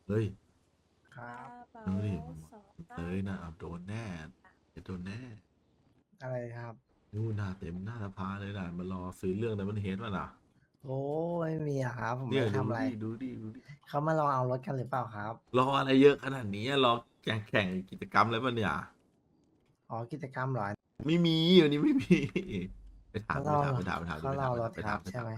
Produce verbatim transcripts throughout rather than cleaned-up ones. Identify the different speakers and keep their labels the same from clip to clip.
Speaker 1: เฮ้ย
Speaker 2: ครั
Speaker 3: ก
Speaker 2: บ
Speaker 3: ระเป๋า
Speaker 1: ดูดิ
Speaker 3: สองใบ
Speaker 1: เอ้ยนะเอาโดนแน่จะโดนแน่
Speaker 2: อะไรครับ
Speaker 1: นู่นหน้าเต็มหน้าสภาเลยนะมารอซื้อเรื่องนั้นมันเฮดวะล่ะ
Speaker 2: โอ้ไม่มีอะครับผมไม่
Speaker 1: เนี่ยดู
Speaker 2: ได้ทำอะไร
Speaker 1: ดิดูดิดูดิ
Speaker 2: เขามาลองเอารถกันหรือเปล่าครับ
Speaker 1: รออะไรเยอะขนาดนี้อะรอแข่งแข่งกิจกรรมอะไรป่ะเนี่ย
Speaker 2: อ๋อกิจกรรมเหรอ
Speaker 1: ไม่มีวันนี้ไม่มีไปถาม
Speaker 2: เขารอ
Speaker 1: ไปถามไปถามไปถามดิ
Speaker 2: เขารอ
Speaker 1: ไปถามไปถาม
Speaker 2: รถครับ
Speaker 1: ไปถามไปถาม
Speaker 2: ใช่ไหม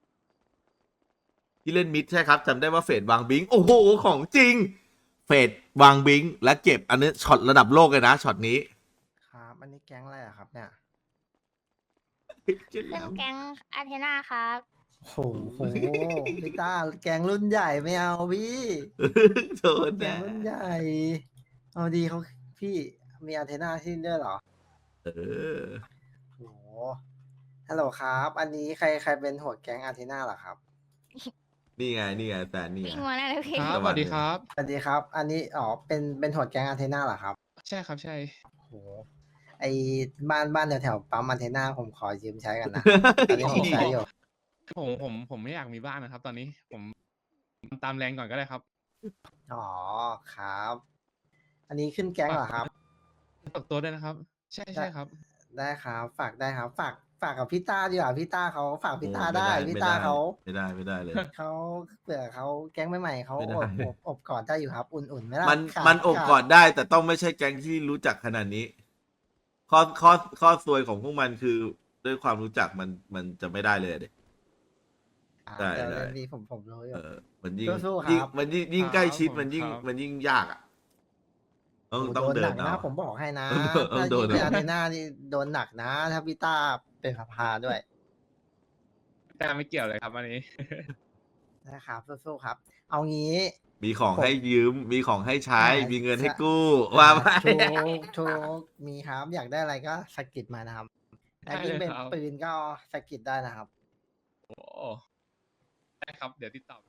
Speaker 1: ที่เล่นมิดใช่ครับจำได้ว่าเฟดวางบิงโอ้โหของจริงเฟดวางบิงและเก็บอันนี้ช็อตระดับโลกเลยนะช็อตนี้
Speaker 2: ครับอันนี้แก๊งอะไรอะครับเนี่ย
Speaker 1: เจ๊แหล
Speaker 4: ขึ้น
Speaker 1: ม
Speaker 4: แก๊งอาเทนาครับ
Speaker 2: โหโหพี่ต้าแก๊งรุ่นใหญ่ไม่เอาพี่
Speaker 1: โดน
Speaker 2: แก๊ง
Speaker 1: แน่
Speaker 2: รุ่นใหญ่เอาดีเขาพี่มีอันเทนาที่นี่ด้วยเหรอ
Speaker 1: เออ
Speaker 2: โหฮัลโหลครับ อันนี้ใครใครเป็นหัวแก๊งอันเทนาเหรอครับ
Speaker 1: นี่ไงนี่ไงแต่นี่ไง
Speaker 4: วิ่งมาแล้วเลยพี่
Speaker 5: ครับ
Speaker 1: ส
Speaker 5: ส
Speaker 1: วั
Speaker 5: วั
Speaker 1: ส
Speaker 5: ส
Speaker 1: ดี
Speaker 5: ดีครับ
Speaker 2: สวัสดีครับ อันนี้อ๋อเป็นเป็นหัวแก๊งอันเทนาเหรอครับ
Speaker 5: ใช่ครับใช่
Speaker 2: โหไอบ้านบ้านแถวแถวปั๊มอันเทนาผมขอยืมใช้กันนะ ตอนนี้ผมใช้อยู่
Speaker 5: ผมผมผมไม่อยากมีบ้านนะครับ ตอนนี้ผมตามแรงก่อนก็ได้ครับ
Speaker 2: อ๋อครับ อันนี้ขึ้นแก๊งเหรอครับ
Speaker 5: ฝากตัวด้วยนะครับ ใช่ใช่ครับ
Speaker 2: ได้ครับ ฝากได้ครับ ฝากฝากกับพี่ต้าดีกว่าพี่ต้าเขาฝากพี่ต้า
Speaker 1: โอ้
Speaker 2: ได้
Speaker 1: ไม่
Speaker 2: พี่
Speaker 1: ไม่
Speaker 2: ต้า
Speaker 1: ได้
Speaker 2: เขา
Speaker 1: ไม่ได้ไม่ได้เลย
Speaker 2: เขาเผื่อเขาแก๊งใหม่ๆเขา
Speaker 1: ไม่ได้
Speaker 2: อบอบอบกอดได้อยู่ครับ อุ่นๆไหมล่ะ
Speaker 1: มัน
Speaker 2: ขาด
Speaker 1: มันอบ
Speaker 2: ขาด
Speaker 1: กอดได้ แต่ต้องไม่ใช่แก๊งที่รู้จักขนาดนี้ ข้อข้อข้อซวยของพวกมันคือด้วยความรู้จักมันมันจะไม่ได้เลยเด็
Speaker 2: อ่า
Speaker 1: ได้
Speaker 2: เดี๋ยว
Speaker 1: ได้
Speaker 2: เดี๋ยวนี้ผมผมรู้อยู่
Speaker 1: เออมันยิ่ง
Speaker 2: สู้ๆครับ
Speaker 1: ยิ่งมันยิ่งยิ่งใกล้ชิด
Speaker 5: ครับ
Speaker 1: มันยิ่ง
Speaker 5: ครับ
Speaker 1: มันยิ่งยากอ่ะต้อง
Speaker 2: โอ้
Speaker 1: ต้อง
Speaker 2: โดน
Speaker 1: เดิ
Speaker 2: หนั
Speaker 1: น
Speaker 2: ก
Speaker 1: เอา
Speaker 2: นะผมบอกให้นะ
Speaker 1: ต้อง
Speaker 2: ถ้า
Speaker 1: โด
Speaker 2: ยิ่
Speaker 1: น
Speaker 2: งเป็น
Speaker 1: เอา
Speaker 2: อาร์เทน่านี่โดนหนักนะ ถ้าพี่ต้าเป็นพาพาด้วย
Speaker 5: แต่ไม่เกี่ยวเลยครับอันนี้
Speaker 2: นะครับสู้ๆครับ เอางี้
Speaker 1: มีของ
Speaker 2: ผม
Speaker 1: ให้ยืม มีของให้ใช้
Speaker 2: อ่ามี
Speaker 1: มีเงินให้
Speaker 2: ใช่
Speaker 1: กู้ว่าไป
Speaker 2: ถูกถูกมีครับอยากได้อะไรก็สะกิดมานะครับแต่
Speaker 5: ได้
Speaker 2: ยิ่ง
Speaker 5: เลย
Speaker 2: เป็น
Speaker 5: ครับ
Speaker 2: ปืนก็สะกิดได้นะครับ
Speaker 5: โอ้ได้ครับ เดี๋ยวติดต่อ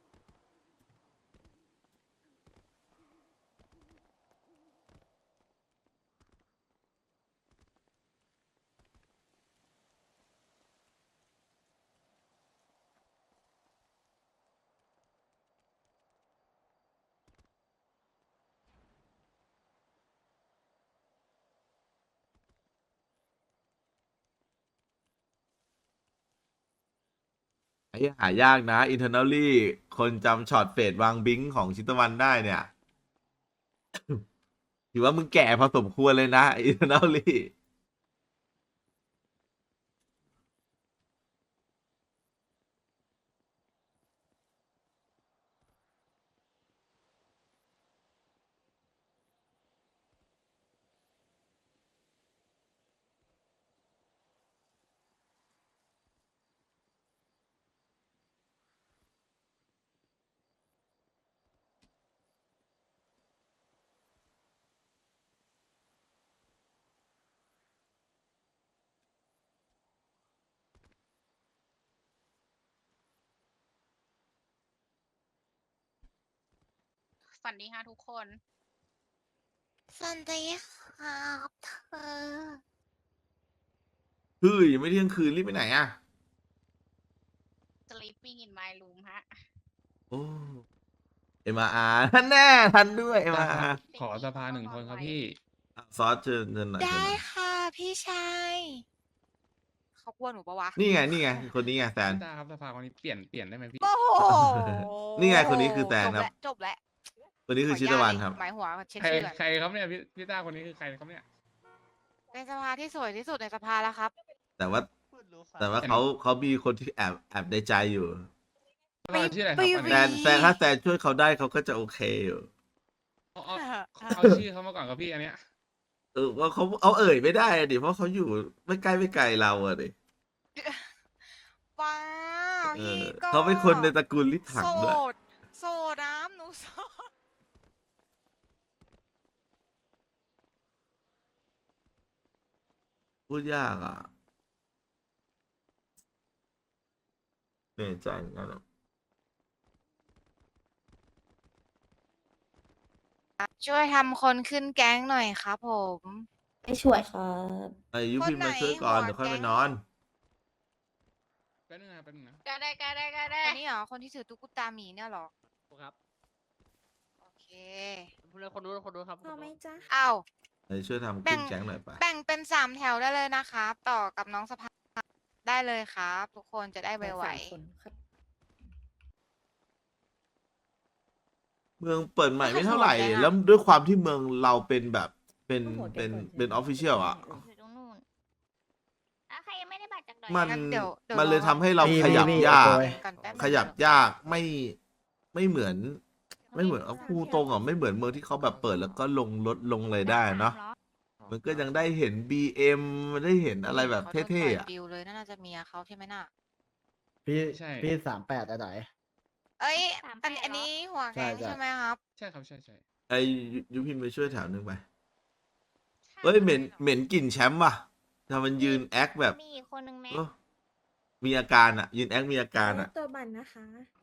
Speaker 1: ไอ้หายากนะ internally คนจำช็อตเฟดวางบิงของชิตวันได้เนี่ย ถือว่ามึงแก่พอสมควรเลยนะ internally
Speaker 4: สวัสดีค่ะทุกคน
Speaker 6: สวัสดีครับเธอ
Speaker 1: เฮ้ยยังไม่เที่ยงคืนรีบไปไหนอ่ะ
Speaker 4: sleeping in my room ฮะ
Speaker 1: โอ้เอ็มอาร์ท่านแน่ทันด้วยเอ็ม
Speaker 5: ได้
Speaker 1: อา
Speaker 5: ครั
Speaker 1: ร์
Speaker 5: บ ขอสภาหนึ่งคนครับพี่
Speaker 1: ซอสเชิญเชิญหน่อยเชิญ
Speaker 6: ได้
Speaker 1: หน่อย
Speaker 6: ค่ะพี่ชาย
Speaker 4: เขากลัวหนูปะวะ
Speaker 1: นี่ไง นี่ไง คนนี้ไงแซน
Speaker 5: พี่ตาครับสภาคนนี้เปลี่ยนเปลี่ยนได้ไหมพี่
Speaker 4: โอ้โห
Speaker 1: นี่ไงคนนี้คือแซนครับ
Speaker 4: จบแล้ว
Speaker 1: คนนี้คือชิตวันครับ
Speaker 4: หมายหัวเช็ค
Speaker 5: ใคร
Speaker 4: ชื่อก่อน
Speaker 5: ใครครับเนี่ยพี่พี่ตาคนนี้คือใครครับเนี่ย
Speaker 4: เป็นสภาที่สวยที่สุดในสภาแล้วครับ
Speaker 1: แต่ว่า แต่ว่าเขาเขามีคนที่แอบแอบในใจอยู่
Speaker 5: สภาชื่ออะไรครับอัน
Speaker 1: แซ
Speaker 5: นี้
Speaker 1: นแซนถ้าแซนช่วยเขาได้เขาก็จะโอเคอยู่
Speaker 5: เอาเอาเอาชื่อเขามาก่อนครับพี่อันเนี้ย
Speaker 1: เออว่าเขาเอาเอ่ยไม่ได้อะดิเพราะเขาอยู่ไม่ใกล้ไม่ไกลเราอะดิ
Speaker 4: ว้าว
Speaker 1: เอ
Speaker 4: พี่
Speaker 1: อ
Speaker 4: ก็
Speaker 1: เขาเป็นคนในตระกูลลิถัง
Speaker 4: โส
Speaker 1: ด้วย
Speaker 4: ด โสดน้ำหนูโสด
Speaker 1: พูดยากอ่ะเหนื่อยใจเหมือนกันอะ
Speaker 4: ช่วยทำคนขึ้นแก๊งหน่อยครับผม
Speaker 3: ไม่ช่วยครับ
Speaker 1: ไอ้ยุพิมพ์มา
Speaker 4: คนไหน
Speaker 1: ช่วยก่อน
Speaker 4: หัว
Speaker 1: เดี๋ยวค่อยไป
Speaker 4: แก๊ง
Speaker 1: นอน
Speaker 5: แป๊บนึงนะแป๊บนึงนะ
Speaker 4: ก็ได้ก็ได้ก็ได้อันนี้เหรอ คนที่ถือตุ๊กตาหมีเนี่ยเหรอ
Speaker 5: ครับ
Speaker 4: โอ
Speaker 3: เลยคนนู้นคนนู้นครับ
Speaker 7: พอไหมจ๊ะ
Speaker 4: อ้าว
Speaker 1: เอ้ยช่วยทำ
Speaker 4: แบ่
Speaker 1: ขึ้น
Speaker 4: ง
Speaker 1: แก๊งหน่อยปะ
Speaker 4: แบ่งเป็นสามแถวได้เลยนะครับ ต่อกับน้องสภาได้เลยครับ ทุกคนจะได้ไว
Speaker 7: สามคนครับ
Speaker 1: เมืองเปิดใหม่ไม่เท่าไหร่
Speaker 4: ไม่ค่อยสนุกเลยอะ
Speaker 1: แล้วด้วยความที่เมืองเราเป็นแบบเป็น
Speaker 7: โอ้โหเดี๋
Speaker 1: เป็
Speaker 7: ยวน ก่อน
Speaker 1: เป็นออฟฟิเชียลอ่ะ
Speaker 6: อยู่ตรงนู้นอ่ะใครยังไม่ได้บัตรจากดอย
Speaker 1: มัน
Speaker 4: งั้นเดี๋ยวเดี๋ยว
Speaker 1: มันเลย
Speaker 4: รอ
Speaker 1: ทำให้เรา
Speaker 2: พี่
Speaker 1: ขยับ
Speaker 2: พี่
Speaker 1: ยาก
Speaker 2: โอ้ย
Speaker 4: ก่อนแป๊บนึง
Speaker 1: ขยับยากไม่ไม่เหมือน ไม่เหมือนเอาพูดตรงอ่ะไม่เหมือนเมืองที่เขาแบบเปิดแล้วก็ลงรถลงเลยได้เนาะมันก็ยังได้เห็น บี เอ็ม มันได้เห็นอะไรแบบ
Speaker 4: ขาโดน
Speaker 1: เท่
Speaker 4: ปล่ย
Speaker 1: ๆอ่ะ
Speaker 4: บิวเลยน่าจะเมียเขาใช่ไหมน่ะ
Speaker 2: พี่
Speaker 5: ใช่
Speaker 2: พี่สามแปดอะไร
Speaker 4: เอ้ย
Speaker 6: สามแป
Speaker 4: อัน
Speaker 6: ด
Speaker 4: อัน
Speaker 6: เหรอ
Speaker 4: นี้หัวแกง
Speaker 2: ใช่ใช่
Speaker 4: ใช่ไหมครับ
Speaker 5: ใช่ครับใช่ใช่
Speaker 1: ไอ้ยุยุพินไปช่วยแถวนึงไปเอ้ยเหม็นเหม็นกลิ่นแชมป์ว่ะทำมันยืนแอคแบบ
Speaker 6: มีอีกคนนึงไหม
Speaker 1: เออมีอาการอ่ะ ยืนแอคมีอาการอ่ะ
Speaker 7: ตัวบันนะคะ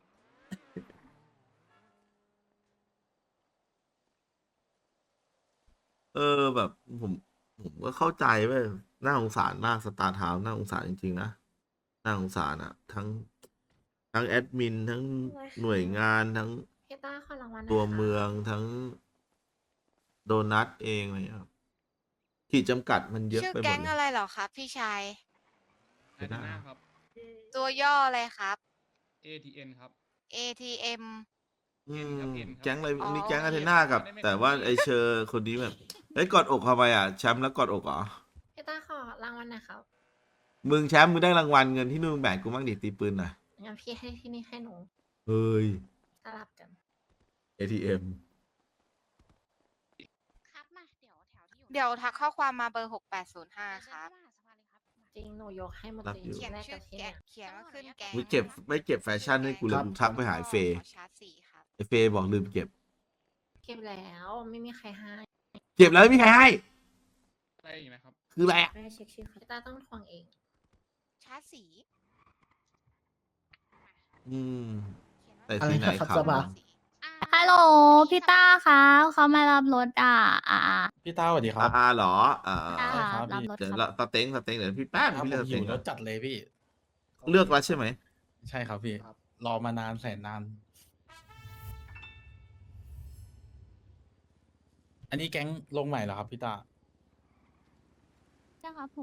Speaker 1: เออแบบผมผมก็เข้าใจเว้ยน่าสงสารมากสตาร์ทาวน์น่าสงสารจริงๆนะน่าสงสารอ่ะ ทั้งทั้งแอดมินทั้งหน่วยงานทั้ง
Speaker 6: พี่ต้าขอรางวัล
Speaker 1: ตัวเมืองทั้งโดนัทเองอะไรเงี้ยครับขีดจำกัดมันเยอะ
Speaker 4: ชื่อ
Speaker 1: ไปหม
Speaker 4: แก๊
Speaker 1: ด
Speaker 4: ง
Speaker 1: เล
Speaker 4: อะ
Speaker 1: ย
Speaker 4: ไรเหรอครับ พี่ชาย
Speaker 5: ไอ้หน้าครับ
Speaker 4: ตัวย่ออะไรครับ
Speaker 5: เอ ที เอ็น ครับ
Speaker 4: เอ ที เอ็ม
Speaker 1: อืม
Speaker 5: ครับเอ็นครับ
Speaker 1: แก๊งอะไร
Speaker 4: อ๋อ
Speaker 1: อันนี้แก๊ง
Speaker 4: โอ
Speaker 1: อา
Speaker 4: เค
Speaker 1: เทน่ากับ
Speaker 5: ไม่ได้
Speaker 1: แต่ว่าไอเชอร์คนนี้แบบเอ้ยกอดอกทำไมอ่ะแชมป์แล้วกอดอกเหรอ
Speaker 6: พี่ต้าขอรางวัลหน่อยครับ
Speaker 1: มึงแชมป์มึงได้รางวัลเงินที่นู่นแบ่งกูบ้างดิตีปืนหน่อย
Speaker 6: งั้นพี่ให้ที่นี่ให้หนู
Speaker 1: เฮ้ย
Speaker 6: สลับกัน
Speaker 1: เอ ที เอ็ม
Speaker 6: ครับมาเดี๋ยวแถวที่อยู่
Speaker 4: เดี๋ยวทักข้อความมาเบอร์หกแปดศูนย์ห้าครับ
Speaker 6: จริงหนูยกให้หมด
Speaker 1: รัก
Speaker 6: เลย
Speaker 1: อยู่
Speaker 4: เขียน
Speaker 6: แรก
Speaker 4: ชื่
Speaker 6: กั
Speaker 4: อบ
Speaker 6: ที่
Speaker 4: แก
Speaker 6: เนี่ย
Speaker 4: เขียนว่าขึ้นแก๊ง
Speaker 1: ไม่เก็บไม่เก็บแฟชั่นให้กูเลยกูทักไปหาไอ้เฟย์
Speaker 4: ขอชาร์จสี่ครับ
Speaker 1: ไอเฟย์บอกลืมเก็บ
Speaker 6: เก็บแล้วไม่มีใครให้
Speaker 1: เก็บแล้วไม่มีใครให้
Speaker 5: อะไรอีกนะครับ
Speaker 1: คืออะไรอ่ะ
Speaker 7: ได้เช็คชื่อครับ
Speaker 6: พี่ต้าต้องทวงเอง
Speaker 4: ชาร์จสี
Speaker 1: อืม
Speaker 4: เขียนว่า
Speaker 1: แต่ที่ไหน
Speaker 2: อะไรนะครับ
Speaker 1: ครับ
Speaker 2: สบาย
Speaker 8: ฮัลโหลพี่ต้าคะเขามารับรถอ่ะอ่า
Speaker 9: พี่ต้าสวัสดีค
Speaker 1: อ่า
Speaker 9: รับ
Speaker 1: อ่าเหรออ่า
Speaker 8: อ่า
Speaker 9: ใช่ครับ
Speaker 8: รับรถ
Speaker 1: เดี๋ยว
Speaker 8: ค
Speaker 1: เรา
Speaker 8: รับ
Speaker 1: สเต็งสเต็งเดี๋ยวพี่แป๊บ
Speaker 9: ครับ
Speaker 1: พี่
Speaker 9: ผ
Speaker 1: เลือก
Speaker 9: ม
Speaker 1: ส
Speaker 9: หิ
Speaker 1: เต็ง
Speaker 9: ว
Speaker 1: ก่
Speaker 9: ร
Speaker 1: อน
Speaker 9: ถจัดเลยพี่
Speaker 1: เลือกแล้วใช่ไหม
Speaker 9: ใช่ครับพี่ รอมานานแสนนาน อันนี้แก๊งลงใหม่เหรอครับพี่ต้า
Speaker 8: ใช่ครับผม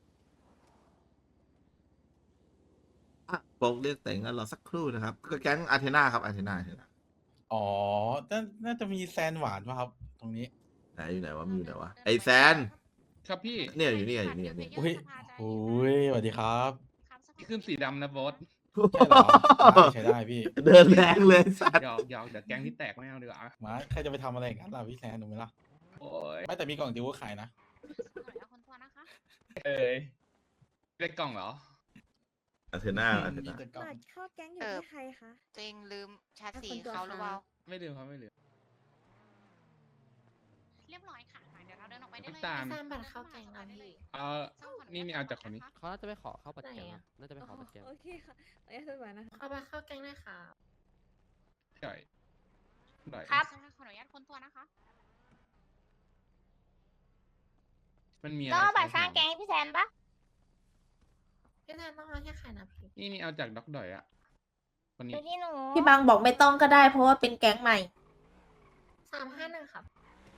Speaker 1: อ่ะโปกเรียกแต่งกันรอสักครู่นะครับ ก็แก๊งอาเทนาครับอาเทนาอาเทนา
Speaker 9: อ๋อน่าน่าจะมีแซนหวานป่ะครับ ตรงนี้
Speaker 1: ไหนอยู่ไหนวะมีอยู่ไหนวะไอแซน
Speaker 5: ครับพี่
Speaker 1: เนี่ยอยู่นี่อยู่นี่อยู่นี่
Speaker 9: อุ้ยโอ้ยสวัสดีครับ
Speaker 5: ที่ขึ้นสีดำนะบอส
Speaker 9: ใช่เหรอได้ใช้ได้พี่
Speaker 1: เดินแรงเลยสัตว์
Speaker 5: หยอกหยอกเดี๋ยวแก๊งที่แตกไม่เอาดีกว่า
Speaker 9: มาใครจะไปทำอะไรอย่างนั้นล่ะพี่แซนถูกไหมล่ะ
Speaker 5: โอ้ย
Speaker 9: ไม่แต่มีกล่องดิวก็ขายนะ
Speaker 5: เอ้ยได้กล่องเหรอ
Speaker 1: อาเทนาอาเท
Speaker 9: มี
Speaker 1: นา
Speaker 9: แต่กล่อง
Speaker 7: บัตรเข้าแก๊งอยู่
Speaker 4: เออ
Speaker 7: ที่ใครคะ
Speaker 4: ตัวเองลืมชาร์จสี
Speaker 7: คนตัว
Speaker 4: เขาหรือเปล่า
Speaker 5: ไม่ลืมครับไม่ลืม
Speaker 6: เรียบร้อยค่ะเดี๋ยวเราเดินออกไปได้เลย
Speaker 5: น้ำตาล
Speaker 6: พี่แซมบัตรเข้าแกงนะพี่
Speaker 5: เออนี่นี่เอาจากคนนี้
Speaker 3: เขาน่าจะไปขอเข้าบัตรแกง
Speaker 6: ไหน
Speaker 3: นะ
Speaker 6: อะ
Speaker 3: น่าจะไปขอบัตรแกง
Speaker 7: โอเคค่ะขออนุญาตสบายนะคะ
Speaker 6: เอาบัตรเข้าแกงเลยค่ะ
Speaker 5: หน่อยหน่อย
Speaker 6: ครับขออนุญาตคนตัวนะคะ
Speaker 5: มันมีอะไร
Speaker 6: ต้องเอาบัตร
Speaker 5: ใช้
Speaker 6: สร้าง
Speaker 5: ของ
Speaker 6: แกงให้พี่แซนปะพี่แซนต้องเอาให้ใครนะพี่
Speaker 5: นี่นี่เอาจากด็อกดอยอะคนนี้
Speaker 6: ดูที่หนู
Speaker 10: พี่บางบอกไม่ต้องก็ได้เพราะว่าเป็นแก๊งใหม่
Speaker 6: สามห้าหนึ่งครับ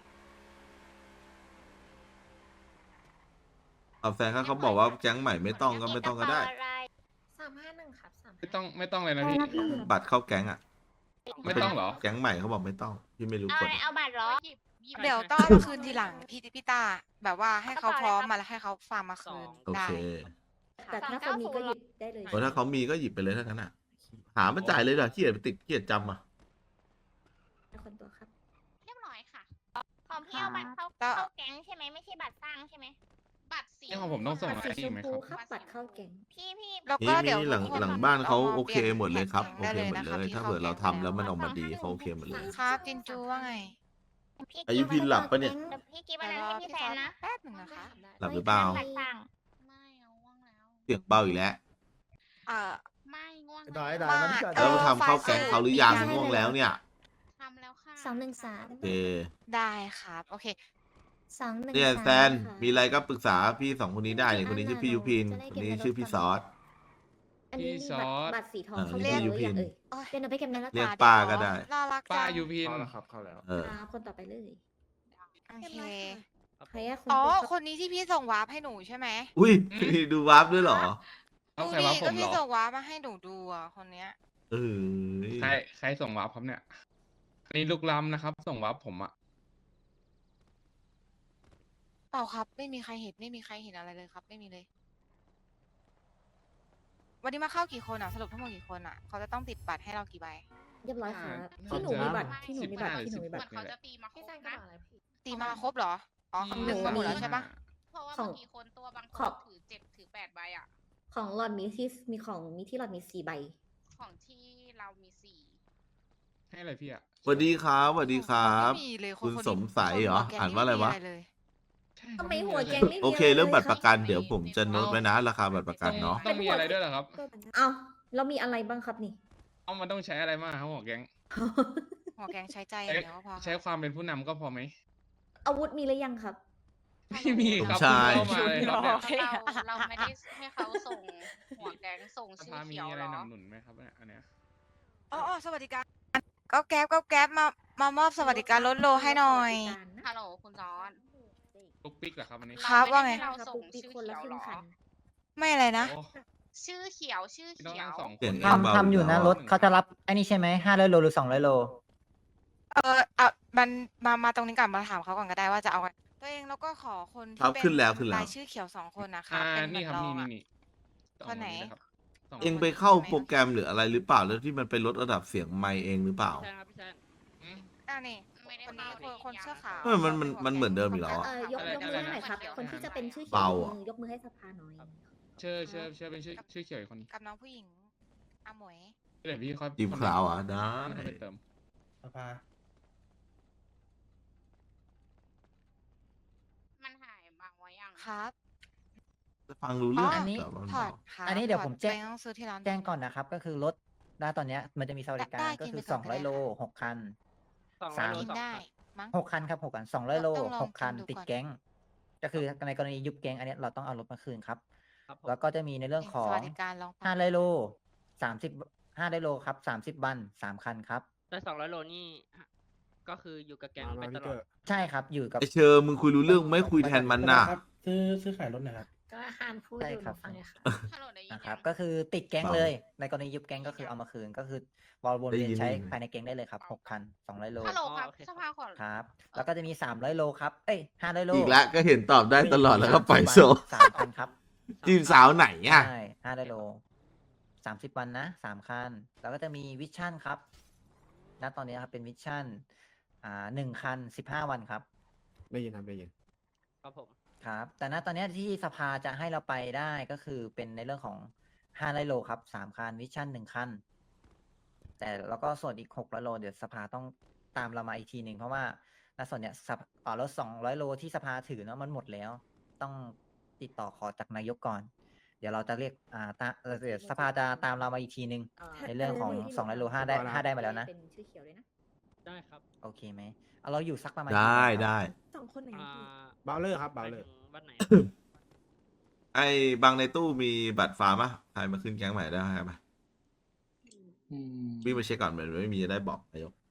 Speaker 1: เอาแฟนเขาเขาบอกว่าแก๊งใหม่ไม่ต้องก็ไม่ต้องก็ได้
Speaker 6: สามห้าหนึ่งครับสาม
Speaker 5: ไม่ต้องไม่ต้องเลยนะพี่
Speaker 1: บัตรเข้าแก๊งอ่ะ
Speaker 5: ไม่ต้องเหรอ
Speaker 1: แก๊งใหม่เขาบอกไม่ต้องพี่ไม่รู้
Speaker 6: เอา
Speaker 1: กฎ
Speaker 6: เอาบัตรเหรอ
Speaker 4: เดี๋ยวต้องเอามาคืนทีหลังพี่พี่ตาแบบว่าให้เขาพร้อมมาแล้วให้เขาฟาร์มมาคืน
Speaker 1: โอ
Speaker 4: ได้
Speaker 1: เค
Speaker 7: แต่ถ้าเขามีก็หยิบได้เลย
Speaker 1: เพราะถ้าเขามีก็หยิบไปเลยถ้างั้นอ่ะ หามาจ่ายเลยเหรอขี้เกียจไปติดขี้เกียจจำอ่ะ
Speaker 7: คนตัวครับ
Speaker 6: เรียบร้อยค่ะ ของพี่เอาบัตรเข้า
Speaker 4: ก็
Speaker 6: เข้าแก๊งใช่ไหมไม่ใช่บัตรสร้างใช่ไหมบัตรสี
Speaker 5: นี่ของผมต้องส่ง
Speaker 7: บัตร
Speaker 5: อะไร
Speaker 7: สีช
Speaker 5: อีก
Speaker 7: ม
Speaker 5: ไหมค
Speaker 7: พู
Speaker 5: รับ
Speaker 7: ครับบัตรเข้าแก๊ง
Speaker 6: พี่พี่
Speaker 4: แล้ว
Speaker 1: นี่
Speaker 4: ก็เดี๋ยว
Speaker 1: นี่หลัง
Speaker 4: ทุกคน
Speaker 1: หลังบ้านเขา
Speaker 4: อม
Speaker 1: โอเค
Speaker 4: ปลี่ยน
Speaker 1: หมดเลยครับ
Speaker 4: แท็
Speaker 1: โอก เค
Speaker 4: ได้
Speaker 1: หมด
Speaker 4: นะ
Speaker 1: เล
Speaker 4: คะ
Speaker 1: ย
Speaker 4: ที่
Speaker 1: ถ้า
Speaker 4: ข้
Speaker 1: เกิดเรา
Speaker 4: แก๊ง
Speaker 1: ทำแล้วมันออกมาดีเขาโอเคหมดเลย
Speaker 4: ครับจินจูว่าไง
Speaker 1: อายุพินหลับปะเนี่ย
Speaker 6: ดี๋วพี่กิฟต์อัน
Speaker 4: เดี๋ยว
Speaker 6: นั้น
Speaker 4: รอ
Speaker 6: ให้พี่
Speaker 4: พี่
Speaker 6: แซ
Speaker 4: ซอน ส
Speaker 6: นะ
Speaker 4: แป๊บหนึ่งนะคะ
Speaker 1: หลับหรือเปล่า
Speaker 6: บัตรสร้างไม่เอาง่วงแล้ว
Speaker 1: เสียงเบาอีกแล้ว
Speaker 4: เอ่อ
Speaker 6: ไม่ง่วง
Speaker 2: ได้
Speaker 6: แล้ว
Speaker 2: ได้
Speaker 4: มา
Speaker 2: มันเกิด
Speaker 4: เอ
Speaker 1: แล้ว
Speaker 4: อ
Speaker 1: ทำเข้าแก๊งเขาหรือยังง่วงแล้วเนี่ย
Speaker 6: ทำแล้วค่ะ
Speaker 10: สองหนึ่งสาม
Speaker 1: โอเค
Speaker 4: ได้ครับ โอเค
Speaker 10: สองหนึ่ง
Speaker 1: เนี่ย
Speaker 10: สาม
Speaker 1: แซนมีอะไรก็ปรึกษาพี่สองคนนี้ได้เนี่ยคนนี้ชื่อพี่ยุพินคนนี้ชื่อพี่ซอส
Speaker 7: อันนี้
Speaker 5: พี่
Speaker 7: มี
Speaker 5: ซ
Speaker 7: บัต
Speaker 5: อ
Speaker 7: ร
Speaker 5: ส
Speaker 7: บัตรสีทอง
Speaker 1: เออ
Speaker 7: เขา
Speaker 1: เรี
Speaker 7: เรี
Speaker 1: ย
Speaker 7: ย
Speaker 1: ก
Speaker 7: กหรือยัง
Speaker 1: ยูพิน
Speaker 7: เอ่ย
Speaker 4: โอ้ย
Speaker 7: เป็นเอาไปแคมป์นั้นแล้ว
Speaker 1: เรียก
Speaker 7: ตา
Speaker 1: ป้า
Speaker 4: เดี๋ยว
Speaker 1: ก็ได้
Speaker 4: น่ารัก
Speaker 5: ป้า
Speaker 4: จัง
Speaker 5: ยูพิน
Speaker 9: เข้าแล้วครับเข้าแล้ว
Speaker 1: เออ
Speaker 7: ครับคนต่อไปเลย
Speaker 4: โอเค
Speaker 7: ใครอะคน
Speaker 4: อ๋อ
Speaker 7: ตัว
Speaker 4: คนนี้ที่พี่ส่งวาร์ปให้หนูใช่ไหม
Speaker 1: อุ้ยดูวาร์ปด้วยเหรอ
Speaker 5: เอา
Speaker 4: ดู
Speaker 5: ใคร
Speaker 4: ดิ
Speaker 5: วะผ
Speaker 4: ก็
Speaker 5: มเหร
Speaker 4: พี่
Speaker 5: อ
Speaker 4: ส่งวาร์ปมาให้หนูดูอ่ะคนเนี้ย
Speaker 1: เออ
Speaker 5: ใครใครส่งวาร์ปครับเนี่ยอันนี้ลูกล้ำนะครับ ส่งวาร์ปผมอะ
Speaker 4: เปล่าครับ ไม่มีใครเห็นไม่มีใครเห็นอะไรเลยครับ ไม่มีเลย วันนี้มาเข้ากี่คนอ่ะสรุปทั้งหมดกี่คนอ่ะเขาจะต้องติดบัตรให้เรากี่ใบ
Speaker 7: เรียบร้อยครับ
Speaker 5: น่า
Speaker 7: ที่หนู
Speaker 5: จะ
Speaker 7: มีบัตรที่หนูมีบัตร
Speaker 5: สิบห้า
Speaker 7: ที่หนูมีบัตร
Speaker 5: หรือสิบหก
Speaker 6: เขาจะตีมาครบนะ
Speaker 4: ตีมาครบเหรออ๋อ
Speaker 7: ของ
Speaker 4: หนึ่ง
Speaker 7: หนู
Speaker 4: มาหมด
Speaker 7: มี
Speaker 4: แล้วใช่ปะ
Speaker 6: เพราะว่า
Speaker 7: ของ
Speaker 6: บางทีคนตัวบางค
Speaker 7: ขอน บ
Speaker 6: ถือเจ็ดถือแปดใบอ่ะ
Speaker 7: ของหลอดมีที่มีของมีที่หลอดมีสี่ใบ
Speaker 6: ของที่เรามีสี่
Speaker 5: ให้อะไรพี่อะ
Speaker 1: สวัสดีครับสวัสดีครับ
Speaker 4: ไม่มีเลยน
Speaker 1: คุณ
Speaker 4: นนี้
Speaker 1: สมสัยเหรอ
Speaker 4: คแกง
Speaker 1: อ่านว่าอะไรวะ
Speaker 4: ม่มีเลย
Speaker 5: ใช่
Speaker 7: ทำไม
Speaker 5: ครับ
Speaker 7: หัวแกงไม่มี
Speaker 1: โอเค
Speaker 7: ะไ
Speaker 1: เรื่องบัตร
Speaker 7: ลย
Speaker 1: ประกันเดี๋ยวผมจะโน้ตไว้นะ ราคาบัตรประกัน
Speaker 5: ต้อง
Speaker 1: เนาะ
Speaker 5: ต้องมีอะไรด้วยเหรอครับ
Speaker 7: เอ้าเรามีอะไรบ้างครับนี่
Speaker 5: เอามันต้องใช้อะไรมากครับหัวแก๊ง
Speaker 4: หัวแกงใช้ใจอย่างเดียวก็พอ
Speaker 5: ใช้ความเป็นผู้นำก็พอไหม
Speaker 7: อาวุธมีหรือยังครับ
Speaker 5: ไม่มีครับ
Speaker 1: ใช่
Speaker 5: เพิ่งเข้ามาเลยครับเนี่ย
Speaker 4: โอเค
Speaker 6: เราเราไม่ได้ให้เขาส่งหัวแก๊งส่ง
Speaker 5: ส
Speaker 6: ชื่อ
Speaker 5: ภามี
Speaker 6: เขียว
Speaker 5: อะ
Speaker 6: เห
Speaker 5: ไร
Speaker 6: รอ
Speaker 5: หนำหนุนไหมครับเนี่ยอันเนี้ย
Speaker 4: อ๋ออ๋อสวัสดิการก็แก๊บก็แก๊บมามามอบสวัสดิการลดโลให้หน่อย
Speaker 6: ฮัลโหลคุณจอน
Speaker 5: ลูกปิ๊กเหรอครับอันนี้
Speaker 4: ครับว่าไง
Speaker 6: เรา
Speaker 7: ครับ
Speaker 6: ส่ง
Speaker 7: ปุ๊กปิ๊ก
Speaker 6: ชื่อ
Speaker 7: คนละ
Speaker 6: เขียว
Speaker 7: ครึ่
Speaker 6: เหรง อ
Speaker 7: คัน
Speaker 4: ไม่อะไรนะ
Speaker 5: โอ้
Speaker 6: ชื่อเขียวชื่อ
Speaker 5: พี่ต้อง
Speaker 6: เขีย
Speaker 5: นั่ง
Speaker 6: ว
Speaker 5: สองค
Speaker 1: เสีย
Speaker 5: น
Speaker 1: งเองเบา
Speaker 11: ทำทำอยู่นะ
Speaker 1: แล้ว
Speaker 11: รถเขาจะรับไอ้นี่ใช่ไหมห้าร้อยโลหรือสองร้อยโล
Speaker 4: เอออ่ะมันมามาตรงนี้ก่อนมาถามเขาก่อนก็ได้ว่าจะเอาไงตัวเองแล้วก็ขอคน
Speaker 1: ครั
Speaker 4: ที่
Speaker 1: บ
Speaker 4: เป็น
Speaker 1: ขึ้นแล้วขึ้นแล้ว
Speaker 4: รายชื่อเขียวสองคนนะคะ
Speaker 5: อ่า
Speaker 4: เป็นเหมื
Speaker 5: นี่
Speaker 4: อน
Speaker 5: ครับ
Speaker 4: เรา
Speaker 5: นี่
Speaker 4: อะ
Speaker 5: นี่นี่สอง
Speaker 4: คนไหน
Speaker 5: เลยครับสอง
Speaker 1: เอง
Speaker 5: คน
Speaker 1: ไปเข้าโปรแกรมหรืออะไรหรือเปล่าแล้วที่มันไปลดระดับเสียงไมค์เองหรือเปล่า
Speaker 3: ใช่ครับพี่แซน
Speaker 5: อืม
Speaker 4: อ่านี่
Speaker 6: ไม่ได้
Speaker 4: คนนี้
Speaker 6: เข้า
Speaker 4: คนคนเสื้อขาว
Speaker 1: เออมันมันมันเหมือนเดิมอีกแล้วอะ
Speaker 7: เออยก
Speaker 5: อะไร
Speaker 7: ยกมือ
Speaker 5: อะไร
Speaker 7: ให้หน่อยครับ
Speaker 6: นะ
Speaker 7: คนที่จะเป็นชื่อเขียว
Speaker 1: เบาย
Speaker 7: ก
Speaker 1: อะ
Speaker 7: มือยกมือให้สภาหน่อย
Speaker 5: เชื่อเชื่อเชื่อเป็นชื่อชื่อเขียวอีกคน
Speaker 4: กับน้องผู้หญิงอาหมวย
Speaker 5: เดี๋ยวพี่ค่อย
Speaker 1: จีบขาวอ่ะได้
Speaker 5: ค่อยไปเติม
Speaker 9: สภา
Speaker 6: มันหายบางไว้ยัง
Speaker 4: ครับ
Speaker 1: ฟังรู้เรื่อง
Speaker 4: อ๋ออั
Speaker 11: นนี้
Speaker 1: แต่ว่ามัน
Speaker 4: ถอ
Speaker 1: เบา
Speaker 4: ดครับ
Speaker 11: อันนี้เดี๋ยว
Speaker 4: ถอ
Speaker 11: ผมแจ้ง
Speaker 4: ไปต้องซื้อที่ร้าน
Speaker 11: แจ้งก่อนนะครับ ก็คือรถณตอนเนี้ยมันจะมีสวัสดิการ
Speaker 4: ได้
Speaker 11: ก็
Speaker 4: กิน
Speaker 11: คื
Speaker 4: ไป
Speaker 11: อ
Speaker 4: ก่
Speaker 11: ส
Speaker 4: อ
Speaker 11: อน งร้อย
Speaker 4: ก็ได้
Speaker 11: โลหกคัน
Speaker 3: สองร้
Speaker 11: สา
Speaker 3: อย
Speaker 11: ม
Speaker 3: โล
Speaker 4: กิน
Speaker 3: สอง
Speaker 4: ได้
Speaker 3: ครับ
Speaker 4: มั้ง
Speaker 11: หกคันครับหกคันสองร้อยโล
Speaker 4: ต้องลอง
Speaker 11: หกคัน
Speaker 4: กินดู
Speaker 11: ติด
Speaker 4: ก่อน
Speaker 11: แก๊ง ก็คือในกรณียุบแก๊งอันเนี้ยเราต้องเอารถมาคืนครับ
Speaker 3: ครับผม
Speaker 11: แล้วก็จะมีในเรื่องขอ
Speaker 4: ส
Speaker 11: ง
Speaker 4: วัสดิการลองฟัง
Speaker 11: ห้าร้อยโลสามสิบห้าร้อยโลครับสามสิบบันสามคันครับ
Speaker 3: ได้สองร้อยโลนี่ก็คืออยู่กับแก๊งไปตลอด
Speaker 11: ใช่ครับอยู่กับ
Speaker 1: ไอเชอร์มึงคุยรู้เรื่องไม่คุยแทนมันน่ะ
Speaker 9: ครับซื้อซื้อขายรถหนะครับ
Speaker 7: ก็อาคารพูด
Speaker 11: ใช่
Speaker 7: อยู่
Speaker 11: ครับ
Speaker 7: ฟังเลยค่ะ
Speaker 6: ฮัลโหลได้ยิน
Speaker 11: นะครับ
Speaker 6: ยัง
Speaker 11: ก็คือติดแก๊ง
Speaker 1: เบา
Speaker 11: เลย ในกรณียุบแก๊งก็คือเอามาคืนก็คือวอลวน
Speaker 1: ได้
Speaker 11: เวียน
Speaker 1: ยิน
Speaker 11: ใช้
Speaker 1: ได้ยิน
Speaker 11: ภายในแก๊งได้เลยครับหกคันสองร้อยโล
Speaker 6: ฮัลโหลครับ
Speaker 3: โอเค
Speaker 6: สภาขอ
Speaker 11: ครับ แล้วก็จะมีสามร้อยโลครับ เอ้ยห้าร้อยโล
Speaker 1: อีกแล้วก็เห็นตอบได้ตลอดแล้วก็ปล่อยโซ
Speaker 11: สามคันครับ
Speaker 1: จีบสาวไหนอ่ะ
Speaker 11: ใช่ห้าร้อยโลสามสิบวันนะสามคัน แล้วก็จะมีวิชั่นครับ ณ ตอนนี้ครับเป็นวิชั่น อ่าหนึ่งคันสิบห้าวันครับ
Speaker 9: ได้ยินครับได้ยิน
Speaker 3: ครับผม
Speaker 11: ครับ แต่ณตอนนี้ที่สภาจะให้เราไปได้ก็คือเป็นในเรื่องของห้าร้อยโลครับสามคันวิชั่นหนึ่งคัน แต่แล้วก็ส่วนอีกหกร้อยโลเดี๋ยวสภาต้องตามเรามาอีกทีหนึ่งเพราะว่าณส่วนเนี้ยสภาอ่ารถสองร้อยโลที่สภาถือเนาะมันหมดแล้ว ต้องติดต่อขอจากนายกก่อน เดี๋ยวเราจะเรียกอ่าตาเอ่อเดี๋ยวสภาจะตามเรามาอีกทีหนึ่ง ในเรื่องของสองร้อยโลห้าได้ห้าได้มาแล้วนะ
Speaker 7: เป็นชื่อเขียวเลยนะ
Speaker 3: ได้ครับ
Speaker 11: โอเคไหมเอาเราอยู่สักประมาณ
Speaker 1: ได้
Speaker 11: กี่วันครับ
Speaker 1: ได้
Speaker 7: สองคนไหน
Speaker 3: อ่า
Speaker 9: เบาเลอร์ครับ
Speaker 3: ไป
Speaker 9: เบาเลอ
Speaker 3: ถึ
Speaker 9: ร์
Speaker 3: งวันไหน
Speaker 1: ไอ้บางในตู้มีบัตรฟาร์มปะใครมาขึ้นแก๊งใหม่ได้ไหมวิ่งไปเช็คก่อนเหมือนไม่มีจะได้บอกนายก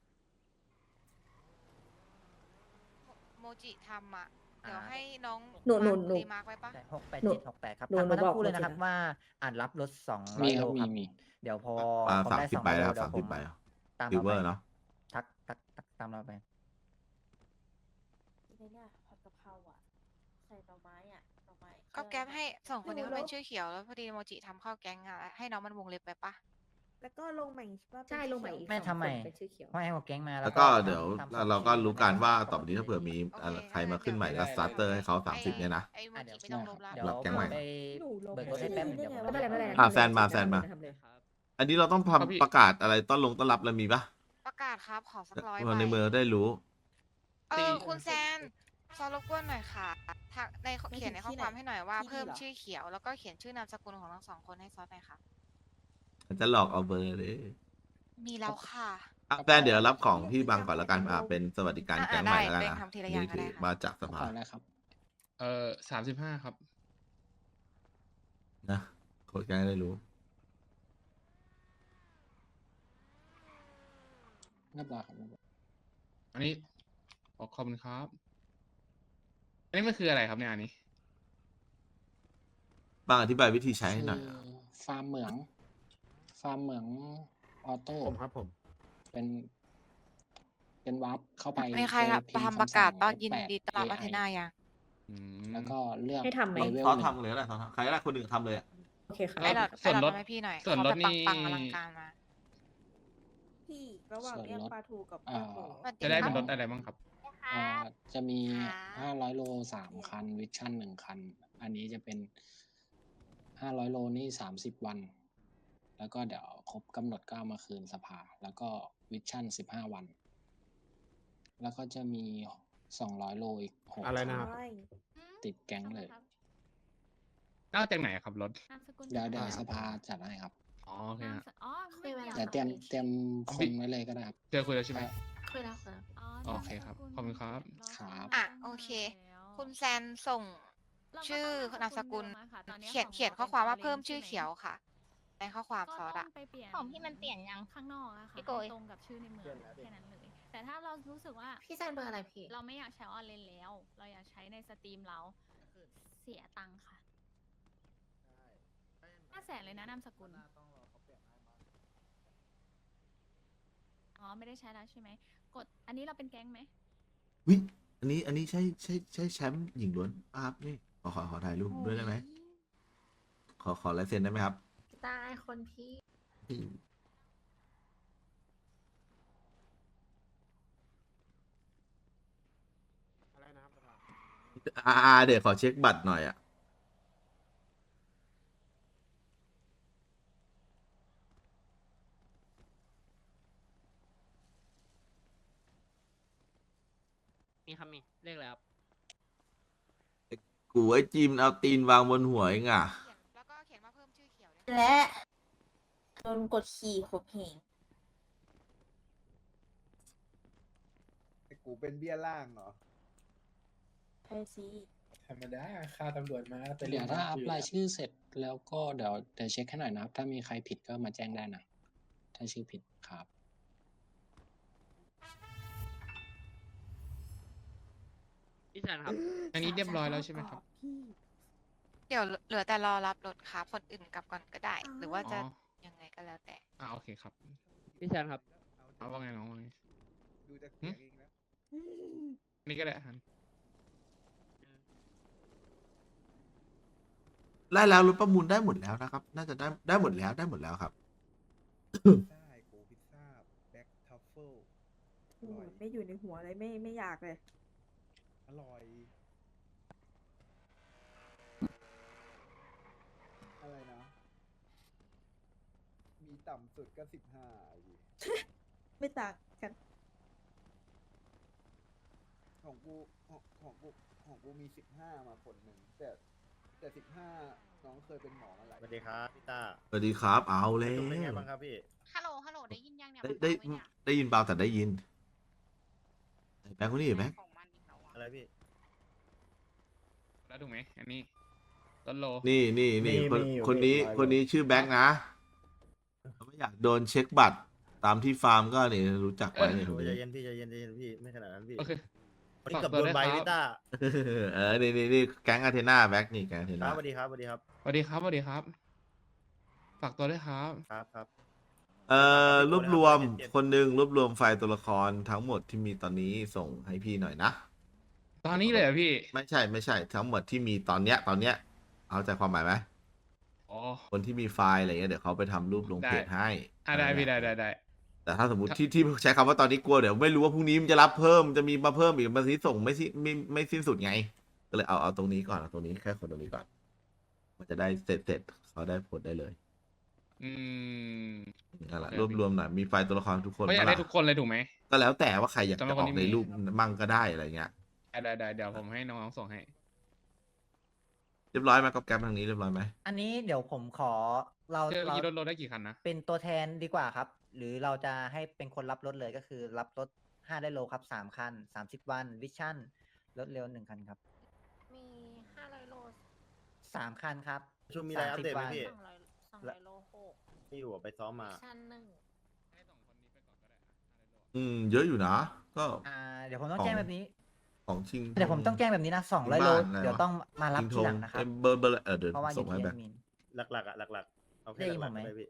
Speaker 4: โมจิทำอ่ะ เดี๋ยวให้น้อง
Speaker 7: หนูหนูหนู
Speaker 4: รีมาร์กไว้ปะ
Speaker 11: ใช่หกแปด
Speaker 7: หนู
Speaker 11: เจ็ดหกแปดครับ
Speaker 7: หนู
Speaker 11: ทักมา
Speaker 7: หนู
Speaker 11: ทั้
Speaker 7: บอก
Speaker 11: งคู่เลยนะครับ
Speaker 7: หนูจะ
Speaker 11: ว่าอ่านรับรถสองร้อยโลครับเดี๋ยวพอ
Speaker 1: อ่า
Speaker 11: ผม
Speaker 1: สาม
Speaker 11: ได้
Speaker 1: สิบ
Speaker 11: สอง
Speaker 1: ใบ
Speaker 11: ร้อย
Speaker 1: แล้
Speaker 11: โล
Speaker 1: วครับ
Speaker 11: เดี๋ยว
Speaker 1: สาม
Speaker 11: ผ
Speaker 1: สิบ
Speaker 11: ม
Speaker 1: ใบ
Speaker 11: ตาม
Speaker 1: ซิล
Speaker 11: เรา
Speaker 1: เว
Speaker 11: ไป
Speaker 1: อร์เนาะ
Speaker 11: ทักทักทักตามเราไป
Speaker 4: ก็แก๊ปให้สองคนนี้เขาเป็นชื่อเขียวแล้วพอดีโมจิทำเข้าแก๊งอ่ะให้น้องมันวงเล็บไปปะ
Speaker 7: แล้วก็ลงใหม่ใช่ลงใหม่อีก
Speaker 11: ไม่
Speaker 7: สอง
Speaker 11: ทำไม
Speaker 7: คนเป็นชื่อเขียว
Speaker 11: ไม่ให้หัวแก๊งมา
Speaker 1: แล้วก็เดี๋ยว
Speaker 11: ทำ
Speaker 1: เราก็
Speaker 11: สอง
Speaker 1: รู้กันว่าต่อไปนี้ถ้าเผื่อมี
Speaker 4: โอเค
Speaker 1: อะไรใครมาขึ้นใหม่ก็สตาร์เตอร์ให้เขาสามสิบเนี่ยนะ
Speaker 4: ไอ้โม
Speaker 11: อ่ะ
Speaker 4: จิ
Speaker 11: เดี๋ยว
Speaker 4: ไม่ต้องลบแล้ว
Speaker 11: เดี๋ยว
Speaker 1: รับแก๊งใหม่
Speaker 11: ไปเบิกรถให้แป๊บนึงเดี๋ยวผม
Speaker 7: ไม่เป็นไรไม่เป็นไร
Speaker 1: อ่ะแซนมาแซนมา
Speaker 7: ทำเลย
Speaker 3: ครับ
Speaker 1: อันนี้เราต้อง
Speaker 5: ครับพี่
Speaker 1: ทำประกาศอะไรต้อนลงต้อนรับแล้วมีปะ
Speaker 4: ประกาศครับขอสักร้อย
Speaker 1: คนใน
Speaker 4: ใบ
Speaker 1: เมืองได้รู้
Speaker 4: เออคุณแซนซอรบกวนหน่อยค่ะทักในเขียนในข้อความให้หน่อยว่าเพิ่มชื่อเขียวแล้วก็เขียนชื่อนามสกุลของทั้งสองคนให้ซอสหน่อยค่ะ
Speaker 1: จะหลอกเอาเบอร์เลย
Speaker 4: มีแล้วค่ะ
Speaker 1: อ่ะแฟนเดี๋ยวรับของพี่บังก่อนละกันอ่ะเป็นสวัสดิการ
Speaker 4: อ่ะ
Speaker 1: แก๊งใหม่แล้วกัน
Speaker 4: ได้
Speaker 1: อ่ะ
Speaker 4: เป็นทำทีละอย่างก็ได้
Speaker 1: นี่
Speaker 4: ค่ะ
Speaker 1: มาจากสภา
Speaker 5: เออสามสิบห้าครับ
Speaker 1: นะโค้ดแก๊งได้รู้
Speaker 3: เรียบร้อยครับ
Speaker 5: อันนี้ขอขอบคุณครับ อันนี้มันคืออะไรครับเนี่ยอันนี้
Speaker 1: บางอธิบายวิธีใช้ให้หน่อยอะ
Speaker 3: ฟาร์มเหมือง ฟาร์มเหมืองออโต้
Speaker 9: ผมครับผม
Speaker 3: เป็น เป็นวาร์ปเข้าไป
Speaker 4: มีใครครับ
Speaker 3: พิมพ์
Speaker 4: ทำประกาศ
Speaker 3: คำสั่ง
Speaker 4: ต้อน
Speaker 3: แล้ว
Speaker 4: ยิน
Speaker 3: แปะ
Speaker 4: ดีต้อนรับอา
Speaker 3: เอ
Speaker 4: เท
Speaker 3: ไอ
Speaker 4: นายัง
Speaker 5: อืม
Speaker 3: แล้วก็เลือก
Speaker 7: ให้ทำไหม
Speaker 3: เลเวล
Speaker 1: ซอส
Speaker 3: หนึ่ง
Speaker 1: ทำเลยก็ได้ซอสทำใครก็ได้คนหนึ่งทำเลยอะ
Speaker 7: โอเคค่ะ
Speaker 5: แล้
Speaker 4: ไอ้
Speaker 5: ว
Speaker 4: หลอด
Speaker 5: ส่
Speaker 4: ไอ้
Speaker 5: วน
Speaker 4: หลอ
Speaker 5: ล
Speaker 4: ด
Speaker 5: ด
Speaker 4: ทำให้พี่หน่อย
Speaker 5: ส่วน
Speaker 4: เขา
Speaker 5: ล
Speaker 4: แบ
Speaker 5: ด
Speaker 4: บ
Speaker 5: นี่
Speaker 4: ปังๆอลังการมา
Speaker 7: พี่ระหว่าง
Speaker 3: ส่วน
Speaker 7: เรียก
Speaker 3: ลด
Speaker 7: ปลาทูกับ
Speaker 3: อ่า
Speaker 7: เรียกหมู
Speaker 4: สวัส
Speaker 5: จะได้
Speaker 4: ค
Speaker 5: เป็นร
Speaker 4: บ
Speaker 5: ถอะไรบ้างครับ
Speaker 3: อ่าจะมี
Speaker 10: ค่ะ
Speaker 3: ห้าร้อยโลสามคัน วิชั่นหนึ่งคัน อันนี้จะเป็น ห้าร้อยโลนี่สามสิบวัน แล้วก็เดี๋ยวครบกำหนดก็เอามาคืนสภา แล้วก็วิชั่นสิบห้าวัน แล้วก็จะมีสองร้อยโลอีกหก
Speaker 9: อะไร
Speaker 3: คั
Speaker 9: นะครับ
Speaker 7: ใช่
Speaker 3: ติดแก๊งเลย
Speaker 5: นอกจากไหนครับรถ
Speaker 8: นามสกุล
Speaker 3: เดี๋ยวเดี๋ยว
Speaker 8: อะไร
Speaker 3: สภาจัดให้ครับ
Speaker 5: อ๋อโอเค
Speaker 8: นาม
Speaker 5: ฮะ
Speaker 8: สอ๋อไม่เกี่ยว
Speaker 3: แต่เตรียมเตรียมคนไว้เลยก็ได้ครับ
Speaker 5: เจอคุยแล้วใช่ไหม
Speaker 10: คุยแล้วครับ
Speaker 8: อ๋อ
Speaker 5: โอเคครับขอบคุณครับ
Speaker 3: ครับ
Speaker 4: อ่ะโอเค คุณแซนส่ง
Speaker 8: เราก็
Speaker 4: ชื่อ
Speaker 8: ต้อง
Speaker 4: นามสกุล
Speaker 8: เดิอะค่ะตอนนี้
Speaker 4: เขียน
Speaker 8: ของ
Speaker 4: เขียน
Speaker 8: ร
Speaker 4: ข้อความว่า
Speaker 8: ป็
Speaker 4: เพิ่ม
Speaker 8: orange
Speaker 4: ชื่อ
Speaker 8: ใไห
Speaker 4: เขียวค่ะ ในข้อความ
Speaker 8: ก็
Speaker 4: ซอส
Speaker 8: ต้
Speaker 4: อะ
Speaker 8: องไปเปลี่ยน
Speaker 10: ของพี่มันเปลี่ยนยัง
Speaker 8: ข้างนอกอะค่ะ
Speaker 10: พี่โกย
Speaker 8: ให้ตรงกับชื่อในเมืองแค่นั้นเลย แต่ถ้าเรารู้สึกว่า
Speaker 10: พี่แซนเบอร์อะไรพี่
Speaker 8: เราไม่อยากใช้ออนไลน์แล้ว เราอยากใช้ในสตรีมเรา เสียตังค์ค่ะห้าแสนเลยนะนามสกุล อ๋อ ไม่ได้ใช้แล้วใช่ไหม กด อันนี้เราเป็นแก๊งไหม
Speaker 1: วิอันนี้อันนี้ใช่ใช่ใช่แชมป์หญิงล้วนป่ะครับนี่ขอขอขอถ่ายรูปด้วยได้ไหมขอขอลายเซ็นได้ไหมครับ
Speaker 10: ได้คนพี่
Speaker 1: อืมอ่าเดี๋ยวขอเช็คบัตรหน่อยอ่ะ
Speaker 3: มีครับมี เลขอะไรครับ
Speaker 1: กูไอ้จิมเอาตีนวางบนหัวเองอ่ะ
Speaker 4: เขียนแล้วก็เขียนว่าเพิ่มชื่อเขียวด้วย
Speaker 10: และโดนกดขี่ขบเหง
Speaker 2: กูเป็นเบี้ยล่างเหรอ
Speaker 10: ใช่สิ
Speaker 9: ธรรมดาค่าตำรวจมาไป
Speaker 3: เดี๋ยวถ้าอัพ
Speaker 9: ยู่
Speaker 3: รายชื่อเสร็จแล้วก็เดี๋ยวเดี๋ยวเช็คให้หน่อยนะครับ ถ้ามีใครผิดก็มาแจ้งได้นะ ถ้าชื่อผิดครับ
Speaker 5: พี่แซนครับ อันนี้เรียบร้อยแล้วใช่ไหมครับ
Speaker 7: พี่
Speaker 4: เดี๋ยวเหลือแต่รอรับรถครับคนอื่นกลับก่อนก็ได้
Speaker 7: อ๋อ
Speaker 4: หรือว่า
Speaker 5: อ๋
Speaker 4: จะ
Speaker 5: อ
Speaker 4: ยังไงก็แล้วแต่
Speaker 5: อ่าโอเคครับ
Speaker 3: พี่แซนครับ
Speaker 5: เอาว่าไงน้องว่าไง
Speaker 2: ดูจากเสียงเองแล้ว
Speaker 5: อันนี้ก็ได้ฮัน
Speaker 1: ไล่แล้วรถประมูลได้หมดแล้วนะครับ น่าจะได้ได้หมดแล้วได้หมดแล้วครับ
Speaker 2: ได้กูพิซซ่าแบ็คทัฟเฟิล
Speaker 7: โอ้ยไม่อยู่ในหัวเลยไม่ไม่อยากเลย
Speaker 2: อร่อย อะไรนะ มีต่ำสุดก็สิบห้า
Speaker 7: ไม่ต่างกัน
Speaker 2: ของกูของของกูของกูมีสิบห้ามาคนหนึ่งแต่แต่สิบห้าน้องเคยเป็นหมอมาหลาย
Speaker 9: สวัสดีครับพี่ต้า
Speaker 1: สวัสดีครับ เอาแล้
Speaker 9: ประชุมเป็นไง
Speaker 1: ว
Speaker 9: บ้างครับพี่
Speaker 4: ฮัลโหล ฮัลโหล ได้ยินยังเนี่ย
Speaker 1: ได้
Speaker 4: มัน
Speaker 1: ได้
Speaker 4: เบาไหมเนี่ย
Speaker 1: ได้ยินเบาแต่ได้ยินแบงค์คนนี้แบงค์
Speaker 4: ของมันอีกแล้วอะ
Speaker 9: อะไรพี่
Speaker 5: แล้วถูกไหม อันนี้ต้นโล
Speaker 1: นี่นี่นี่
Speaker 9: มี
Speaker 1: คน
Speaker 9: มีอยู่
Speaker 1: คนนี้
Speaker 9: มีอยู่
Speaker 1: คนนี้ชื่อแบงค์นะเขาไม่อยากโดนเช็คบัตรตามที่ฟาร์มก็นี่รู้จักไว้เนี่ยคน
Speaker 9: ใจ
Speaker 1: นี้
Speaker 9: เย็นพี่ใจเย็นใจเย็นพี่ไม่ขนาดนั้นพี่
Speaker 5: โอเค
Speaker 9: วันนี้
Speaker 5: ฝาก
Speaker 9: เกับ
Speaker 5: ตัว
Speaker 9: โดน
Speaker 5: ด้วย
Speaker 9: ใบ
Speaker 5: ครับ
Speaker 9: พี่ต้า
Speaker 1: เออนี่นี่นี่แก๊งอาเทนาแบ็กนี่แก๊งอาเท
Speaker 9: ค
Speaker 1: นา
Speaker 9: รับสวัสดีครับสวัสดีครับ
Speaker 5: สวัสดีครับสวัสดีครับ ฝากตัวด้วยครับ
Speaker 9: ครับครับ
Speaker 1: เอ่อรวบรวม
Speaker 9: เจ็ด
Speaker 1: คนหนึ่งรวบรวมไฟล์ตัวละครทั้งหมดที่มีตอนนี้ส่งให้พี่หน่อยนะ
Speaker 5: ตอนนี้เลยเหรอพี่
Speaker 1: ไม่ใช่ไม่ใช่ทั้งหมดที่มีตอนเนี้ยตอนเนี้ยเอาใจความหมายไหม
Speaker 5: อ๋อ
Speaker 1: คนที่มีไฟล์อะไรเงี้ยเดี๋ยวเขาไปทำรูปลง
Speaker 5: ได้
Speaker 1: เพจให้
Speaker 5: อ่ะได้พี่ได้ได้ได้
Speaker 1: แต่ถ้าสมมติ
Speaker 5: ครับ
Speaker 1: ที่ที่ใช้คำว่าตอนนี้กลัวเดี๋ยวไม่รู้ว่าพรุ่งนี้มันจะรับเพิ่มจะมีมาเพิ่มอีกมาทีส่งไม่สิ้นไม่ไม่สิ้นสุดไง ก็เลยเอาเอาตรงนี้ก่อนเอาตรงนี้แค่คนตรงนี้ก่อน มันจะได้เสร็จเสร็จเขาได้ผลได้เลย
Speaker 5: อืม
Speaker 1: นั่นแหละ
Speaker 5: โอเค
Speaker 1: รวบรวมหน่อยมีไฟล์ตัวละครทุกคน
Speaker 5: เขาอยาก
Speaker 1: ปะ
Speaker 5: ได้
Speaker 1: ล่ะ
Speaker 5: ทุกคนเลยถูกไหม
Speaker 1: ก็แล้วแต่ว่าใครอยาก
Speaker 5: สำหรั
Speaker 1: จะ
Speaker 5: บ
Speaker 1: อ
Speaker 5: คน
Speaker 1: อก
Speaker 5: ที่
Speaker 1: ใน
Speaker 5: มี
Speaker 1: รูปมั่งก็ได้อะไรเงี้ย
Speaker 5: ได้ได้ได้เดี๋ยวผมให้น้องๆส่งให้
Speaker 1: เรียบร้อยไหมกับแกรมทางนี้เรียบร้อยไหม
Speaker 11: อันนี้เดี๋ยวผมขอเรา
Speaker 5: เจอ
Speaker 11: เรา
Speaker 5: กี่รถรถได้กี่คันนะ
Speaker 11: เป็นตัวแทนดีกว่าครับ หรือเราจะให้เป็นคนรับรถเลยก็คือ รับรถห้าได้โลครับสามคันสามสิบวันวิชั่นรถเร็วหนึ่งคันครับ
Speaker 10: มีห้าร้อยโล
Speaker 11: สามคันครับ
Speaker 9: ประชุมมีอะไรอัปเดตไหม
Speaker 11: สามสิบวัน
Speaker 9: พี่
Speaker 10: สองร้อยสองร้อยโลหก
Speaker 9: พี่อยู่ไปซ้อมมา
Speaker 10: ชั้นหนึ่ง
Speaker 5: ให้สองคนนี้ไปก่อนก็ได้อะ
Speaker 1: อืม เยอะอยู่นะ ก็
Speaker 11: อ่าเดี๋ยวผมต้องแจ้งแบบนี้
Speaker 1: ของชิง
Speaker 11: เดี๋ยวผมต้องแจ้งแบบนี้นะสองร้อยโล
Speaker 1: บ้านอะไร
Speaker 11: เดี๋ยว
Speaker 1: วะ
Speaker 11: ต้องมารับ
Speaker 1: ชิงธ
Speaker 11: ที
Speaker 1: ง
Speaker 11: หลังนะครับ
Speaker 1: เอ้ยเบอร์เบอร์เออเดี๋ยว
Speaker 11: เพราะว่าอ
Speaker 1: ส่
Speaker 11: ยู่
Speaker 1: งให้
Speaker 11: ที่
Speaker 1: แบ
Speaker 11: แอบ ดมิน
Speaker 2: หลักๆอ่ะหลักๆ เอาแค่
Speaker 11: ได้ยิน
Speaker 2: หลั
Speaker 11: ผ
Speaker 2: ก
Speaker 11: ม
Speaker 2: ๆ
Speaker 11: ไหม
Speaker 2: ได้พี่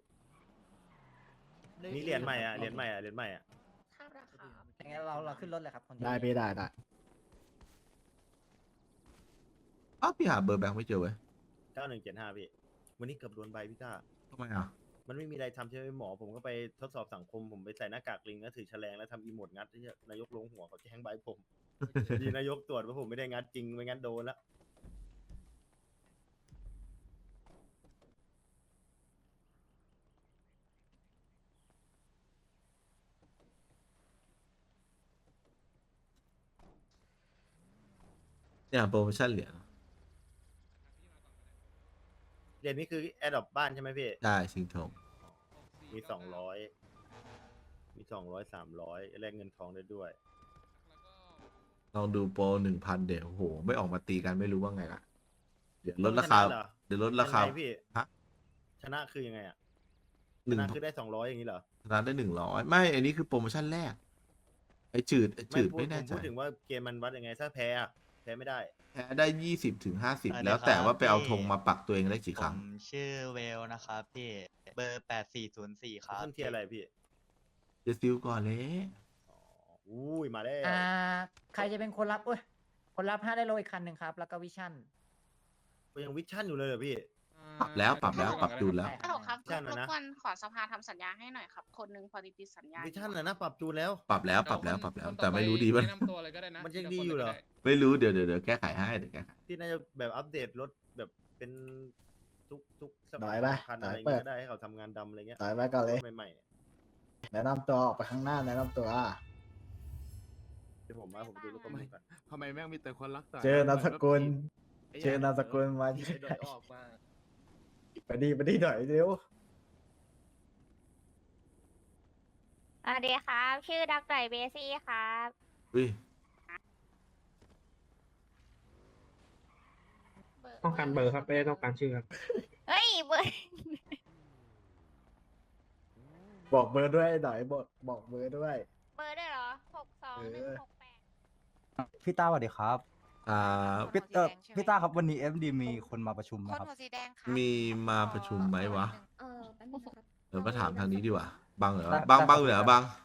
Speaker 2: นี่เหรียญใหม่อ่ะเหรียญใหม่อ่ะเหรียญใหม่อ่ะ
Speaker 10: ข้ามราคา
Speaker 11: อย่างงั้นเราเราขึ้นรถเลยครับคนที่
Speaker 2: ได้พี่ได้ได้
Speaker 1: อ้าวพี่หาเบอร์แบงค์ไม่เจอเว้ย
Speaker 2: เก้าหนึ่งเจ็ดห้าพี่วันนี้เกือบโดนใบพี่ต้า
Speaker 1: ทำไมอ่ะ
Speaker 2: มันไม่มีอะไรทำใช่ไหมหมอ ผมก็ไปทดสอบสังคม ผมไปใส่หน้ากากลิงแล้วถือแฉลงแล้วทำอีโมดงัดที่นายกลงหัวเขาแจ้งใบผม ดีนายกตรวจว่าผมไม่ได้งัดจริงไม่งั้นโดนละ
Speaker 1: เนี่ยโปรโมชั่นเหรียญ
Speaker 2: เหรียญนี้คือแอดดอปบ้านใช่ไหมพี่
Speaker 1: ได้ชิงธง
Speaker 2: มีสองร้อยมีสองร้อยสามร้อยแลกเงินทองได้ด้วย
Speaker 1: ลองดูโปรหนึ่งพันเดี๋ยวโอ้โห ไม่ออกมาตีกันไม่รู้ว่าไงล่ะ เดี๋ยวลดราคา
Speaker 2: ชนะเหรอ
Speaker 1: เดี๋ยวลดราคา
Speaker 2: ยังไงพี่
Speaker 1: ฮะ
Speaker 2: ชนะคือยังไงอ่ะ
Speaker 1: หนึ่
Speaker 2: ช
Speaker 1: ง
Speaker 2: นะคือได้สองร้อยอย่างนี้เหรอ
Speaker 1: ชนะได้หนึ่งร้อยไม่ อันนี้คือโปรโมชั่นแรก ไอจืดไอจืด
Speaker 2: พู
Speaker 1: ไม่
Speaker 2: ผ
Speaker 1: แน่
Speaker 2: ม
Speaker 1: ใจ
Speaker 2: พูดถึงว่าเกมมันวัดยังไง ถ้าแพ้อะแพ้ไม่ได้
Speaker 1: แพ้ได้ยี่สิบถึงห้าสิบ
Speaker 12: สวัสดี
Speaker 1: แล้วแต่
Speaker 12: ครับ
Speaker 1: ว่าไปเอา
Speaker 12: พี่
Speaker 1: ธงมาปักตัวเองได้กี่
Speaker 12: ผ
Speaker 1: ครั้ง
Speaker 12: มชื่อเวลนะครับพี่ เบอร์แปดสี่ศูนย์สี่ครับ
Speaker 2: ขึ้นเทียร์อะไรพี่
Speaker 1: เดี๋ยวซิลก่อนเลย
Speaker 2: อ๋ออุ้ยมาแล้ว
Speaker 11: อ่าใครจะเป็นคนรับเอ้ยคนรับห้าได้โลอีกคันหนึ่งครับ แล้วก็วิชั่น
Speaker 2: ก็ยังวิชั่นอยู่เลยเหรอพี่
Speaker 1: ปรับแล้วปรับแล้วปรับจูนแล้ว
Speaker 11: ฮัลโหลครับ
Speaker 2: วิชั่นนะนะ
Speaker 10: ขอสภาทำสัญญาให้หน่อยครับ คนหนึ่งพอดีติดสัญญา
Speaker 2: วิชั่นนะนะปรับจูนแล้ว
Speaker 1: ปรับแล้วปรับแล้วปรับแล้ว
Speaker 5: คน
Speaker 1: แต่ไม่รู้ดีป่ะ
Speaker 5: แนะนำตัวเลยก็ได้นะ
Speaker 2: มันยัง
Speaker 5: ทีละ
Speaker 2: ดี
Speaker 5: คน
Speaker 2: อยู่เหรอ
Speaker 5: ก็ได้
Speaker 1: ไม่รู้เดี๋ยวเดี๋ยวเดี๋ยวแก้ไขให้เดี๋ยวแก้ไข
Speaker 2: ที่น่าจะแบบอัปเดตรถแบบเป็นทุกทุกส
Speaker 13: น้อยปะ
Speaker 2: คัน
Speaker 13: น้
Speaker 2: อะ
Speaker 13: อ
Speaker 2: ไร
Speaker 13: ย
Speaker 2: เงี้ย
Speaker 13: เปิด
Speaker 2: ก็ได้ให้เขาทำงานดำอะไรเงี้ย
Speaker 13: ต่อยไว้ก่อนเลย
Speaker 2: ใหม่ๆเนี่ย
Speaker 13: แนะนำตัวออกไปข้างหน้าแนะนำตัว
Speaker 2: เดี๋ยวผมมาผมดูรถประมูลก่อน
Speaker 5: ทำไมแม่งมีแต่คนรักต่
Speaker 13: เจอนามสกุล เจอนามสกุลมา
Speaker 5: ไอ้ดอยออกมา
Speaker 13: ไปดีไปดีหน่อยเร็ว
Speaker 6: สวัสดีครับ ชื่อดักไก่เบซี่ครับ
Speaker 1: อุ้ย
Speaker 10: ต้องการเบอร์ครับไม่ได้ต้องการชื่อครับ
Speaker 6: เฮ้ยเบอร์
Speaker 13: บอกเบอร์ด้วยหน่อยบอกบอกเบอร์ด้วย
Speaker 6: เบอร์ด้วยเหรอหกสองหนึ่งหกแปด
Speaker 9: พี่ต้าสวัสดีครับ
Speaker 1: อ่า
Speaker 4: พี่
Speaker 9: พี่เออพี่ต้าครับวันนี้เอฟดีมีคนมาประชุม
Speaker 4: คน
Speaker 9: นะครับ
Speaker 4: หัวสีแดงค่ะ
Speaker 1: มีมาประชุมไหมวะ
Speaker 10: เออแป๊บนึงนะครับ
Speaker 1: เออมาถามทางนี้ดีกว่า บังเหรอ
Speaker 9: ได้
Speaker 1: บัง
Speaker 9: ได้
Speaker 1: บัง
Speaker 9: ครับ
Speaker 1: เหรอ
Speaker 9: ได้
Speaker 1: บัง